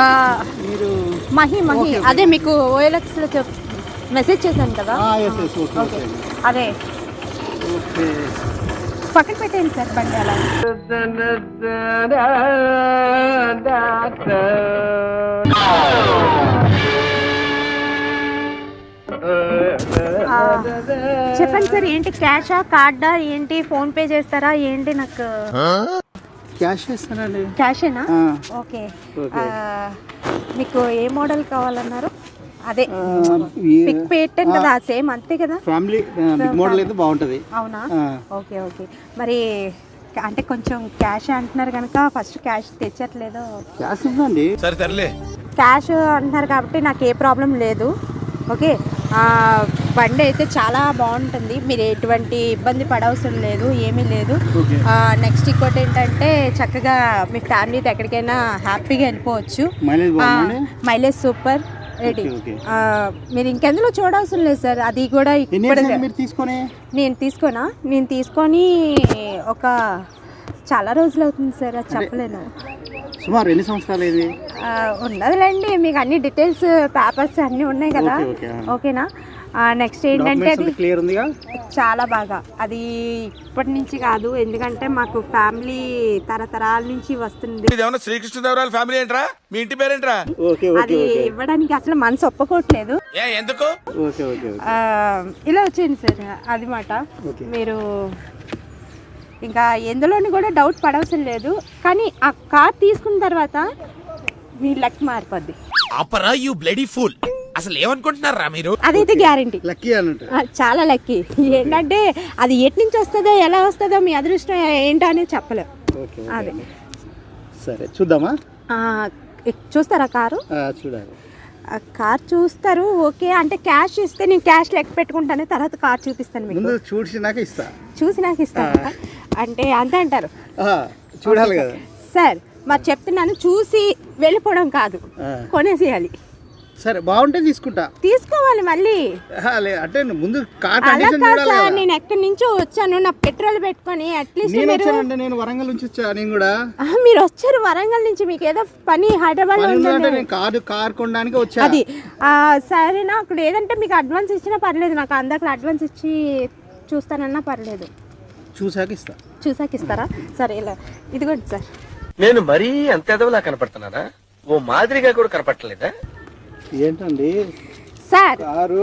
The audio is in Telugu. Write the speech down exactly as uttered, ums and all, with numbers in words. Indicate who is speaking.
Speaker 1: మీరు
Speaker 2: మహి మహి అదే మీకు ఓఎల్ఎక్స్లో చెప్ మెసేజ్ చేశాను కదా.
Speaker 1: ఓకే
Speaker 2: అదే
Speaker 1: ఓకే
Speaker 2: పక్కన పెట్టేయండి సార్ బండి అలా. చెప్పండి సార్, ఏంటి క్యాషా కార్డా ఏంటి, ఫోన్ పే చేస్తారా ఏంటి? నాకు
Speaker 1: క్యాష్ చేస్తానండి.
Speaker 2: క్యాషేనా? ఓకే. మీకు ఏ మోడల్ కావాలన్నారు? అదే పిక్ పెట్టాను కదా, సేమ్ అంతే కదా.
Speaker 1: ఫ్యామిలీ మోడల్ అయితే బాగుంటుంది.
Speaker 2: అవునా? Okay okay. మరి అంటే కొంచెం క్యాష్ అంటున్నారు కనుక ఫస్ట్ క్యాష్ తెచ్చట్లేదు.
Speaker 1: క్యాష్ ఉందండి.
Speaker 3: సరే సర్లే.
Speaker 2: క్యాష్ అంటున్నారు కాబట్టి నాకు ఏ ప్రాబ్లం లేదు. ఓకే, బండి అయితే చాలా బాగుంటుంది, మీరు ఎటువంటి ఇబ్బంది పడవసరం లేదు, ఏమీ లేదు. నెక్స్ట్ ఇంకోటి ఏంటంటే చక్కగా మీ ఫ్యామిలీతో ఎక్కడికైనా హ్యాపీగా వెళ్ళిపోవచ్చు. Mileage super ready. మీరు ఇంకెందులో చూడాల్సిన లేదు సార్. అది కూడా
Speaker 1: తీసుకొని
Speaker 2: నేను తీసుకోనా నేను తీసుకొని ఒక చాలా రోజులు అవుతుంది సార్, అది చెప్పలేను.
Speaker 1: సుమారు ఎన్ని సంవత్సరాలు అయింది?
Speaker 2: ఉన్నదిలేండి, మీకు అన్ని డీటెయిల్స్ పేపర్స్ అన్నీ ఉన్నాయి కదా. ఓకేనా? నెక్స్ట్ ఏంటంటే అది
Speaker 1: క్లియర్ ఉందిగా,
Speaker 2: చాలా బాగా. అది ఇప్పటి నుంచి కాదు, ఎందుకంటే మాకు ఫ్యామిలీ తరతరాల నుంచి వస్తుంది.
Speaker 3: శ్రీకృష్ణదేవరాయల ఫ్యామిలీ ఏంట్రా? మీ ఇంటి పేరేంట్రా?
Speaker 2: అది ఇవ్వడానికి అసలు మనసు ఒప్పుకోవట్లేదు.
Speaker 3: ఎందుకు?
Speaker 2: ఇలా వచ్చింది సార్, అది మాట. మీరు ఇంకా ఎందులోని కూడా డౌట్ పడవసరం లేదు. కానీ ఆ కార్ తీసుకున్న తర్వాత మీ లక్ మారిపోద్ది.
Speaker 3: అపరా యు బ్లడీ ఫూల్. అసలు ఏమనుకుంటున్నారా మీరు?
Speaker 2: అదైతే గ్యారంటీ.
Speaker 1: లక్కీ అన్నట్టు,
Speaker 2: చాలా లక్కీ. ఏంటంటే అది ఎటు నుంచి వస్తుందో ఎలా వస్తుందో మీ అదృష్టం ఏంటో అనేది చెప్పలేం. అదే
Speaker 1: సరే చూద్దామా?
Speaker 2: చూస్తారా కారు?
Speaker 1: చూడాలి.
Speaker 2: కార్ చూస్తారు. ఓకే అంటే క్యాష్ ఇస్తే నేను క్యాష్ లెక్క పెట్టుకుంటాను, తర్వాత కార్ చూపిస్తాను మీకు.
Speaker 1: చూసినాక ఇస్తా.
Speaker 2: చూసినాక ఇస్తాను అంటే అంతే అంటారు.
Speaker 1: చూడాలి కదా
Speaker 2: సార్. మరి చెప్తున్నాను, చూసి వెళ్ళిపోవడం కాదు, కొనేసేయాలి.
Speaker 1: సరే బాగుంటే తీసుకుంటా.
Speaker 2: తీసుకోవాలి మళ్ళీ
Speaker 1: అంటే ముందు కార్
Speaker 2: సార్. నేను ఎక్కడి నుంచో వచ్చాను, నా పెట్రోల్ పెట్టుకొని అట్లీస్ట్.
Speaker 1: నేను వరంగల్ నుంచి వచ్చా. నేను కూడా
Speaker 2: మీరు వచ్చారు వరంగల్ నుంచి, మీకు ఏదో పని హైదరాబాద్ లో
Speaker 1: కారు కార్ కొనడానికి వచ్చా.
Speaker 2: అది సరేనా? అక్కడ ఏదంటే మీకు అడ్వాన్స్ ఇచ్చినా పర్లేదు, నాకు అందరికి అడ్వాన్స్ ఇచ్చి చూస్తానన్నా పర్లేదు.
Speaker 1: చూసాక ఇస్తా.
Speaker 2: చూసాక ఇస్తారా? సరే ఇలా ఇదిగోండి సార్.
Speaker 4: నేను మరీ అంత ఎదవలా కనపడుతున్నానా? ఓ మాదిరిగా కూడా కనపడలేదా?
Speaker 1: ఏంటండి
Speaker 2: సార్?